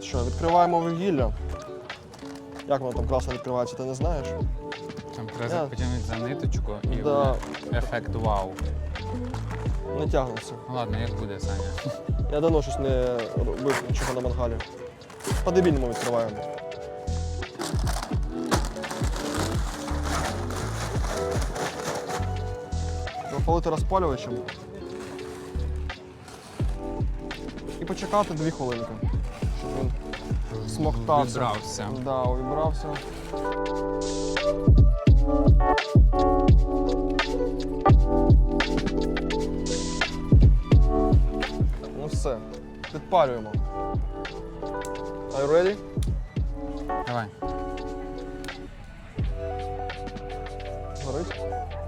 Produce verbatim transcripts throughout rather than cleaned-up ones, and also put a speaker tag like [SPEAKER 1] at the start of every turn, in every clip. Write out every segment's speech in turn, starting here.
[SPEAKER 1] Що, відкриваємо вугілля. Як воно там класно відкривається, ти не знаєш?
[SPEAKER 2] Там треба
[SPEAKER 1] Я-
[SPEAKER 2] потягнути за ниточку і
[SPEAKER 1] Да.
[SPEAKER 2] буде ефект вау.
[SPEAKER 1] Не тягнеться.
[SPEAKER 2] Ну ладно, як буде, Саня.
[SPEAKER 1] Я давно щось не робив нічого на мангалі. По-дебільному відкриваємо. Запалити розпалювачем. І почекати дві хвилинки, щоб він смоктався.
[SPEAKER 2] Вібрався.
[SPEAKER 1] Да, увібрався. Ну все, підпалюємо. Are you ready?
[SPEAKER 2] Давай.
[SPEAKER 1] Горить?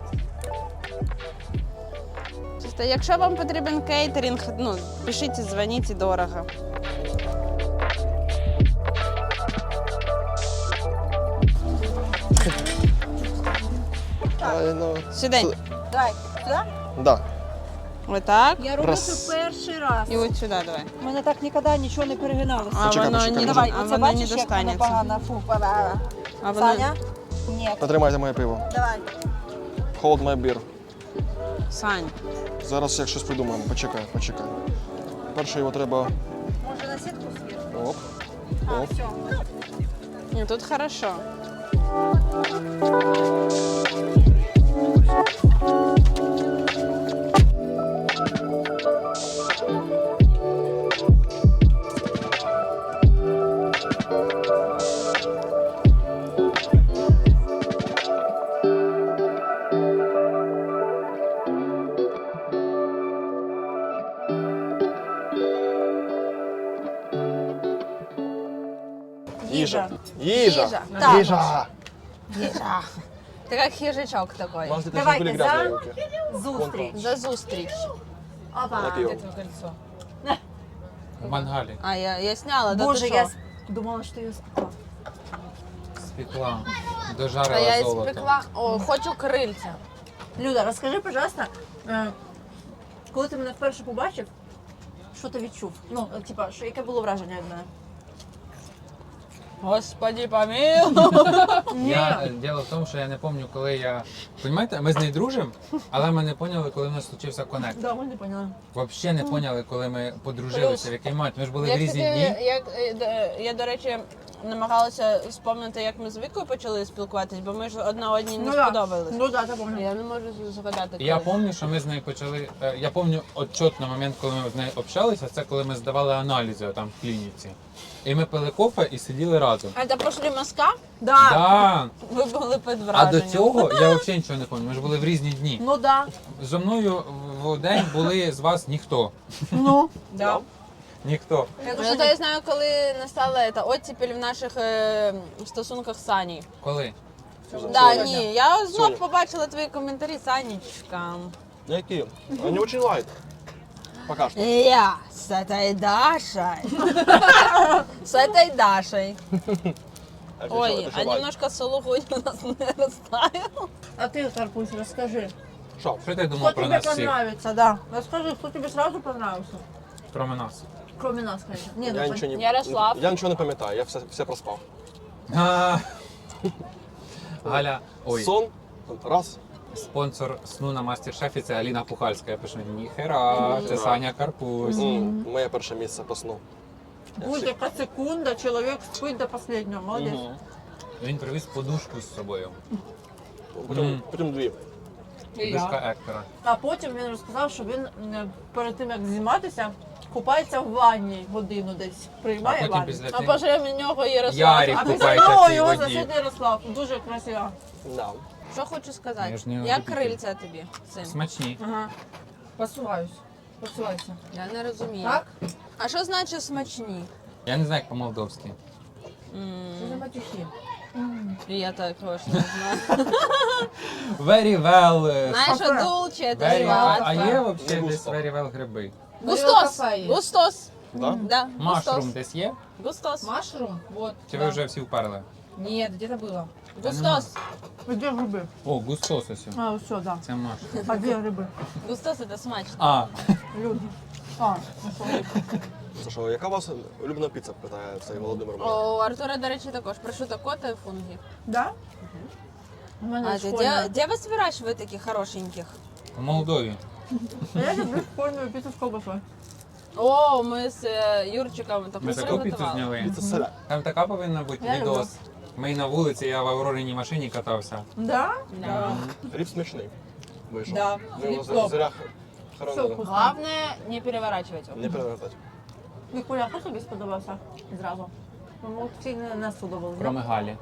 [SPEAKER 3] Чисто, якщо вам потрібен кейтеринг, ну, пишіть, дзвоніть, дорого.
[SPEAKER 1] Ай, ну,
[SPEAKER 3] Сюди.
[SPEAKER 1] Сюди.
[SPEAKER 4] Давай, сюди?
[SPEAKER 1] Да.
[SPEAKER 3] Отак.
[SPEAKER 4] Я роблю
[SPEAKER 1] Раз.
[SPEAKER 4] це перший раз.
[SPEAKER 3] І от сюди давай.
[SPEAKER 4] У мене так ніколи нічого не перегиналося.
[SPEAKER 3] А
[SPEAKER 1] Почекай,
[SPEAKER 3] воно
[SPEAKER 1] почекай,
[SPEAKER 3] не,
[SPEAKER 1] давай,
[SPEAKER 3] а
[SPEAKER 4] Оце
[SPEAKER 3] воно не
[SPEAKER 4] бачиш, як воно
[SPEAKER 3] достанеться.
[SPEAKER 4] погано. Фу, погано.
[SPEAKER 3] А воно...
[SPEAKER 4] Саня? Ні.
[SPEAKER 1] Потримайте моє пиво.
[SPEAKER 4] Давай.
[SPEAKER 1] Hold my beer.
[SPEAKER 3] Сань,
[SPEAKER 1] Зараз як щось придумаємо. Почекай, почекай. Перше його треба.
[SPEAKER 4] Може на сітку свіжу?
[SPEAKER 1] Оп.
[SPEAKER 4] А,
[SPEAKER 1] Оп.
[SPEAKER 4] все.
[SPEAKER 3] ні, тут хорошо.
[SPEAKER 1] Їжа. Їжа.
[SPEAKER 4] Їжа. Так.
[SPEAKER 1] Їжа.
[SPEAKER 4] Їжа.
[SPEAKER 3] Ти як хижачок такий.
[SPEAKER 1] У вас тут
[SPEAKER 4] Давайте
[SPEAKER 1] були
[SPEAKER 4] за
[SPEAKER 1] грязні руки.
[SPEAKER 4] зустріч.
[SPEAKER 3] За зустріч.
[SPEAKER 4] Опа.
[SPEAKER 1] На пиво.
[SPEAKER 2] В мангалі.
[SPEAKER 3] А, я, я сняла, да
[SPEAKER 4] Боже,
[SPEAKER 3] ти
[SPEAKER 4] я
[SPEAKER 3] що?
[SPEAKER 4] с- думала, що я спекла.
[SPEAKER 2] Спекла.
[SPEAKER 3] Та
[SPEAKER 2] Дожарила
[SPEAKER 3] я і
[SPEAKER 2] золото.
[SPEAKER 3] спекла. О, хочу крильця.
[SPEAKER 4] Люда, розкажи, пожалуйста, е, коли ти мене вперше побачив, що ти відчув? Ну, е, типа, що, яке було враження від мене?
[SPEAKER 3] Господи, помилуй.
[SPEAKER 2] Я, е, діло в тому, що я не пам'ятаю, коли я... Понімаєте, ми з нею дружимо, але ми не поняли, коли в нас случився коннект.
[SPEAKER 4] Да, ми не поняли.
[SPEAKER 2] Взагалі не поняли, коли ми подружилися, в який момент. Ми ж були
[SPEAKER 3] Я,
[SPEAKER 2] в різні
[SPEAKER 3] кстати,
[SPEAKER 2] дні.
[SPEAKER 3] як, е, д- я, до речі, намагалася вспомнити, як ми з Вікою почали спілкуватись, бо ми ж одна одній не
[SPEAKER 4] Ну, да.
[SPEAKER 3] сподобались.
[SPEAKER 4] Ну, да, це помню.
[SPEAKER 3] Я не можу згадати.
[SPEAKER 2] Я
[SPEAKER 3] коли.
[SPEAKER 2] пам'ятаю, що ми з нею почали. е, Я пам'ятаю отчетно момент, коли ми з нею общалися, це коли ми здавали аналізи там в клініці. І ми пили кофе і сиділи разом.
[SPEAKER 3] А це пошли мазка?
[SPEAKER 4] Да.
[SPEAKER 2] Да.
[SPEAKER 3] Ви були під
[SPEAKER 2] А
[SPEAKER 3] враженням.
[SPEAKER 2] до цього я взагалі нічого не пам'ятаю. Ми ж були в різні дні.
[SPEAKER 4] Ну, да.
[SPEAKER 2] Зо мною в день були з вас ніхто.
[SPEAKER 4] Ну.
[SPEAKER 3] Да.
[SPEAKER 2] Ніхто.
[SPEAKER 4] Я
[SPEAKER 3] Ну, то я знаю, коли настала ця оттепель в наших е, стосунках з Саней.
[SPEAKER 2] Коли?
[SPEAKER 3] Да, ні, я знов
[SPEAKER 1] Соня.
[SPEAKER 3] побачила твої коментарі, Санечка.
[SPEAKER 1] Які? Вони дуже лайт. Пока що.
[SPEAKER 3] Я с этой Дашей. С этой Дашей. Ой, а немножко сулугунь у нас не растаял.
[SPEAKER 4] А ты, Карпусь, расскажи.
[SPEAKER 1] Що?
[SPEAKER 2] Що ти
[SPEAKER 4] Кто
[SPEAKER 2] думав про
[SPEAKER 4] тебе
[SPEAKER 2] нас всіх?
[SPEAKER 4] понравится, да. Расскажи, кто тебе сразу понравился.
[SPEAKER 2] Про нас.
[SPEAKER 4] Кроме нас, конечно. Не,
[SPEAKER 1] Я
[SPEAKER 4] ну,
[SPEAKER 1] нічого не,
[SPEAKER 3] Ярослав.
[SPEAKER 1] я нічого не пам'ятаю, я все, все проспав.
[SPEAKER 2] А, Галя, ой,
[SPEAKER 1] Сон, раз.
[SPEAKER 2] спонсор сну на мастер-шефі це Аліна Пухальська. Я пишу, ніхера, це Саня Карпусь.
[SPEAKER 1] М, Моє перше місце по сну.
[SPEAKER 4] будь-яка секунда, человек спит до последнего, молодец.
[SPEAKER 1] Мгм.
[SPEAKER 2] Він привіз подушку з собою.
[SPEAKER 1] Потім,
[SPEAKER 2] Мгм.
[SPEAKER 1] потім дві.
[SPEAKER 2] Подушка Ектора.
[SPEAKER 4] А потім він розказав, що він м, перед тим, як зніматися, купається в ванні годину десь,
[SPEAKER 2] А
[SPEAKER 4] приймає
[SPEAKER 2] потім
[SPEAKER 4] ванну.
[SPEAKER 2] після
[SPEAKER 3] А
[SPEAKER 2] тим
[SPEAKER 3] після нього Ярослав.
[SPEAKER 2] Ярик
[SPEAKER 4] А після
[SPEAKER 2] купається в
[SPEAKER 4] того
[SPEAKER 2] цій
[SPEAKER 4] його
[SPEAKER 2] воді.
[SPEAKER 4] сусід Ярослав. Дуже красиво.
[SPEAKER 1] Да.
[SPEAKER 3] Що хочу сказати?
[SPEAKER 2] Я ж не
[SPEAKER 3] Як
[SPEAKER 2] любитель.
[SPEAKER 3] крильця тобі цим?
[SPEAKER 2] Смачні.
[SPEAKER 4] Ага. Посуваюсь. Посувайся.
[SPEAKER 3] Я не розумію.
[SPEAKER 4] Так?
[SPEAKER 3] А що значить смачні?
[SPEAKER 2] Я не знаю, як по-молдовськи.
[SPEAKER 3] М,
[SPEAKER 4] Це за матюхи.
[SPEAKER 3] І я також не знаю.
[SPEAKER 2] Very well. е,
[SPEAKER 3] Знаєш,
[SPEAKER 4] Кафе.
[SPEAKER 3] що дулче, це
[SPEAKER 2] Very well. А
[SPEAKER 3] сладко.
[SPEAKER 2] є взагалі
[SPEAKER 1] Не
[SPEAKER 2] десь
[SPEAKER 1] густо.
[SPEAKER 2] very well гриби?
[SPEAKER 3] Густос!
[SPEAKER 4] Кафе є.
[SPEAKER 3] Густос!
[SPEAKER 1] Да?
[SPEAKER 3] Да,
[SPEAKER 2] Машрум
[SPEAKER 3] густос.
[SPEAKER 2] десь є?
[SPEAKER 3] Густос.
[SPEAKER 5] Машрум? Вот.
[SPEAKER 2] Чи
[SPEAKER 5] да.
[SPEAKER 2] ви вже всі вперли?
[SPEAKER 5] Нет, где-то было.
[SPEAKER 3] Густос.
[SPEAKER 4] Де гриби?
[SPEAKER 2] О, густос ось.
[SPEAKER 4] А, все, да.
[SPEAKER 2] Це машрум.
[SPEAKER 4] А де гриби?
[SPEAKER 3] Густос це смачно.
[SPEAKER 2] А,
[SPEAKER 4] Люди. А, ну що?
[SPEAKER 1] Це що, яка у вас улюблена піца, питає цей Володимир. мене.
[SPEAKER 3] О, у Артура, до речі, також прошуто кота і фунгі.
[SPEAKER 4] Да? У мене
[SPEAKER 3] А ти
[SPEAKER 4] школьна.
[SPEAKER 3] де, де вас вирощують таких хорошеньких?
[SPEAKER 2] В Молдові.
[SPEAKER 4] Я люблю школьну піцу з ковбасою.
[SPEAKER 3] О, ми з е, Юрчиком таку
[SPEAKER 2] Ми таку піцу
[SPEAKER 3] приготували.
[SPEAKER 2] зняли.
[SPEAKER 1] Піца селя.
[SPEAKER 2] Там така повинна бути
[SPEAKER 4] Я люблю.
[SPEAKER 2] відос. Ми на вулиці, я в Аврориній машині катався.
[SPEAKER 4] Да?
[SPEAKER 3] Да.
[SPEAKER 1] Хліб смачний. Вийшов.
[SPEAKER 5] Да,
[SPEAKER 1] Ми його
[SPEAKER 5] хліб топ.
[SPEAKER 1] зря
[SPEAKER 4] Все
[SPEAKER 1] хоронили.
[SPEAKER 4] вкусно.
[SPEAKER 3] Главное не переворачивать его.
[SPEAKER 1] Не перевертати.
[SPEAKER 4] Вікуля, хто тобі сподобався зразу? Ну, всі не, не сподобалось.
[SPEAKER 2] Кроме Галі.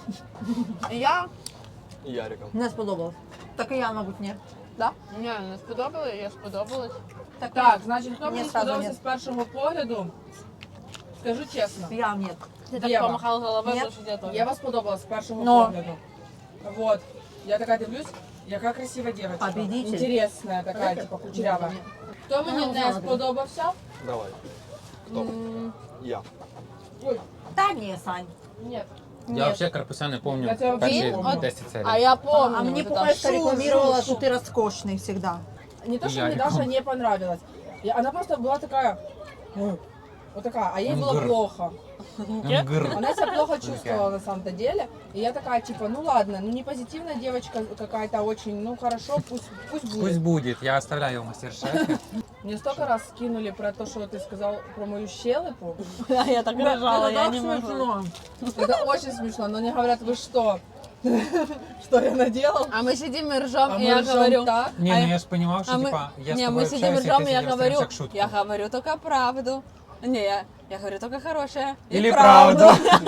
[SPEAKER 4] Я
[SPEAKER 1] І Ярика.
[SPEAKER 4] не сподобалось. Так і я, мабуть, ні. Да?
[SPEAKER 3] Ні, не сподобалось, я сподобалось.
[SPEAKER 4] Так,
[SPEAKER 5] Так, значить, хто
[SPEAKER 4] Ні,
[SPEAKER 5] мені
[SPEAKER 4] сразу
[SPEAKER 5] сподобався
[SPEAKER 4] ні.
[SPEAKER 5] з першого погляду? Скажу чесно.
[SPEAKER 4] я ні.
[SPEAKER 3] Ти так
[SPEAKER 5] Єва.
[SPEAKER 3] помахав головою,
[SPEAKER 4] Ні.
[SPEAKER 3] тому що я теж.
[SPEAKER 5] Я вас сподобалась з першого
[SPEAKER 4] Но.
[SPEAKER 5] погляду. Вот. Я така дивлюсь, яка красива дівчинка.
[SPEAKER 4] Победитель.
[SPEAKER 5] Інтересна така, типа кучерява. Хто мені не сподобався?
[SPEAKER 1] Давай. Хто? Я.
[SPEAKER 5] Ой,
[SPEAKER 4] Та ні, Сань.
[SPEAKER 5] ні.
[SPEAKER 2] Я взагалі Карпуся не пам'ятаю
[SPEAKER 5] Я тебе
[SPEAKER 2] перші
[SPEAKER 3] Він от-
[SPEAKER 2] десять серій.
[SPEAKER 3] А я помню.
[SPEAKER 4] А мне
[SPEAKER 3] вот это
[SPEAKER 4] Пупешка
[SPEAKER 3] шу,
[SPEAKER 4] рекламировала,
[SPEAKER 3] шу,
[SPEAKER 4] что
[SPEAKER 3] шу.
[SPEAKER 4] ты роскошный всегда.
[SPEAKER 5] Не то, что
[SPEAKER 2] Я
[SPEAKER 5] мне
[SPEAKER 2] реком-
[SPEAKER 5] Даша не понравилась. И она просто была такая, ну, вот такая, а ей было
[SPEAKER 2] Мгр.
[SPEAKER 5] плохо.
[SPEAKER 2] Мгр.
[SPEAKER 5] Она себя плохо чувствовала на самом-то деле. И я такая, типа, ну ладно, ну не позитивная девочка какая-то очень, ну хорошо, пусть, пусть будет.
[SPEAKER 2] Пусть будет, я оставляю в мастер-шефе.
[SPEAKER 5] Мне столько раз скинули про то, что ты сказал про мою щелепу.
[SPEAKER 3] Я так рожала,
[SPEAKER 4] Это
[SPEAKER 3] я
[SPEAKER 4] так
[SPEAKER 3] не могу.
[SPEAKER 4] смешно.
[SPEAKER 5] Это очень смешно, но они говорят, вы что? Что я наделал?
[SPEAKER 3] А мы сидим и ржем,
[SPEAKER 5] А
[SPEAKER 3] и
[SPEAKER 5] мы
[SPEAKER 3] я
[SPEAKER 5] ржем
[SPEAKER 3] говорю...
[SPEAKER 5] так.
[SPEAKER 2] Ні,
[SPEAKER 3] А
[SPEAKER 2] ну
[SPEAKER 3] я-
[SPEAKER 2] я ж розумів, що
[SPEAKER 3] А мы,
[SPEAKER 2] типа, я з
[SPEAKER 3] не, мы
[SPEAKER 2] тобою
[SPEAKER 3] сидим и
[SPEAKER 2] общаюсь, і
[SPEAKER 3] ржем,
[SPEAKER 2] ти
[SPEAKER 3] и я
[SPEAKER 2] сидиш
[SPEAKER 3] говорю,
[SPEAKER 2] як шутку.
[SPEAKER 3] я говорю только правду. Не, я, я говорю только хорошее. и
[SPEAKER 2] Или правду.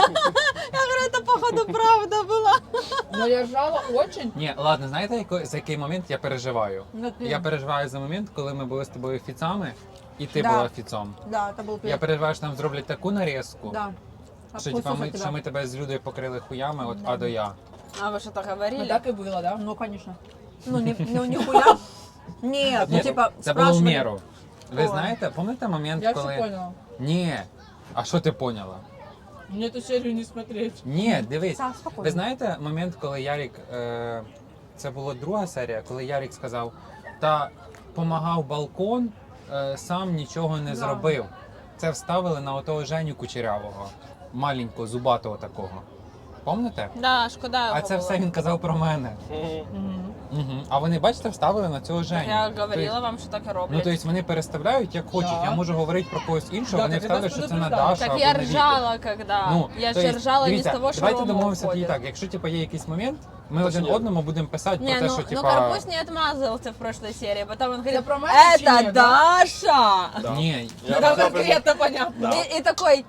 [SPEAKER 3] Я говорю, это походу правда была.
[SPEAKER 5] Но я ржала очень.
[SPEAKER 2] Ні, ладно, знаєте, яко- за який момент я переживаю?
[SPEAKER 4] Ну, ты-
[SPEAKER 2] Я переживаю за момент, коли ми були з тобою фіцами, і ти
[SPEAKER 4] Да.
[SPEAKER 2] була фіцом.
[SPEAKER 4] Да, это был
[SPEAKER 2] Я переживаю, що нам зроблять таку нарізку,
[SPEAKER 4] Да.
[SPEAKER 2] що, типа, ми, що ми тебе з Людою покрили хуями от А до Я.
[SPEAKER 3] А вы что-то
[SPEAKER 5] Ну
[SPEAKER 3] говорили?
[SPEAKER 5] так и было, да?
[SPEAKER 4] Ну, конечно. Ну, не, ну нихуя. Нет, ну
[SPEAKER 2] Ні,
[SPEAKER 4] типа
[SPEAKER 2] це було в
[SPEAKER 4] спрашивали.
[SPEAKER 2] міру. Ви
[SPEAKER 4] Ой.
[SPEAKER 2] знаєте, пам'ятаєте момент,
[SPEAKER 5] Я
[SPEAKER 2] коли...
[SPEAKER 5] все поняла.
[SPEAKER 2] Ні. А що ти поняла?
[SPEAKER 5] Мне эту серию не смотреть.
[SPEAKER 2] Ні, дивись.
[SPEAKER 4] Сам спокойно.
[SPEAKER 2] Ви знаєте момент, коли Ярік, е, це була друга серія, коли Ярік сказав, та помагав балкон, е, сам нічого не
[SPEAKER 4] Да.
[SPEAKER 2] зробив. Це вставили на отого Женю Кучерявого, маленького, зубатого такого. Помните?
[SPEAKER 3] Да, шкода його
[SPEAKER 2] А це
[SPEAKER 3] було.
[SPEAKER 2] все він казав про мене.
[SPEAKER 4] Мгм.
[SPEAKER 2] Угу. А вони, бачите, вставили на цього Женю.
[SPEAKER 3] Я говорила
[SPEAKER 2] Тобто-
[SPEAKER 3] вам, що так і
[SPEAKER 2] Ну,
[SPEAKER 3] роблять.
[SPEAKER 2] тобто вони переставляють як хочуть.
[SPEAKER 5] Да.
[SPEAKER 2] Я можу говорити про когось іншого,
[SPEAKER 5] Да,
[SPEAKER 2] вони
[SPEAKER 5] так я
[SPEAKER 2] вставлять,
[SPEAKER 5] вас
[SPEAKER 2] що це на
[SPEAKER 5] предупреждала.
[SPEAKER 2] Дашу
[SPEAKER 3] Так
[SPEAKER 2] або
[SPEAKER 3] я
[SPEAKER 2] на Віку.
[SPEAKER 3] ржала, когда.
[SPEAKER 2] Ну,
[SPEAKER 3] я
[SPEAKER 2] то
[SPEAKER 3] ще
[SPEAKER 2] есть,
[SPEAKER 3] ржала не
[SPEAKER 2] дивіться,
[SPEAKER 3] з того, що
[SPEAKER 2] давайте
[SPEAKER 3] Рома
[SPEAKER 2] домовимося тоді
[SPEAKER 3] уходить.
[SPEAKER 2] так. Якщо типу, є якийсь момент, ми
[SPEAKER 1] То
[SPEAKER 2] один
[SPEAKER 1] що є?
[SPEAKER 2] одному будемо писати
[SPEAKER 3] Не,
[SPEAKER 2] про те,
[SPEAKER 3] ну,
[SPEAKER 2] що
[SPEAKER 3] ну
[SPEAKER 2] типа.
[SPEAKER 3] Карпусь не отмазывался в прошлой серии, потом он говорит,
[SPEAKER 5] про меня
[SPEAKER 3] это
[SPEAKER 5] чи нет, да?»
[SPEAKER 3] Даша!
[SPEAKER 1] Да.
[SPEAKER 2] Ні,
[SPEAKER 1] Я
[SPEAKER 5] Там
[SPEAKER 1] взяв
[SPEAKER 5] конкретно понятно.
[SPEAKER 1] Да.
[SPEAKER 3] И, и такой,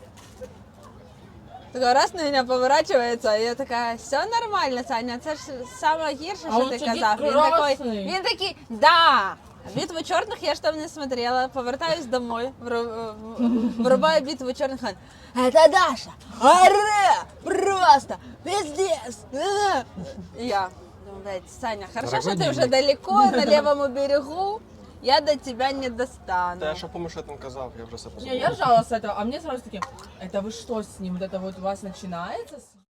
[SPEAKER 3] такой раз на меня поворачивается, и я такая, все нормально, Саня, це ж саме гірше,
[SPEAKER 5] А
[SPEAKER 3] що
[SPEAKER 5] он
[SPEAKER 3] ти
[SPEAKER 5] сидить
[SPEAKER 3] казав. Він такой,
[SPEAKER 5] красний.
[SPEAKER 3] він такий, да. Битву чорних я ж там не смотрела, повертаюсь домой, вру- в- врубаю битву чорних, он, это Даша, оре, просто, пиздец. э». И я, думаю, блядь, Саня, хорошо,
[SPEAKER 2] Дорогой
[SPEAKER 3] что ты уже
[SPEAKER 2] дневник.
[SPEAKER 3] далеко, на левом берегу, я до тебя не достану.
[SPEAKER 1] Та я що помню, що я там казав, я вже все
[SPEAKER 5] Не,
[SPEAKER 1] позабув.
[SPEAKER 5] я ржала с этого, а мне сразу таки, это вы что с ним, вот это вот у вас начинается? с-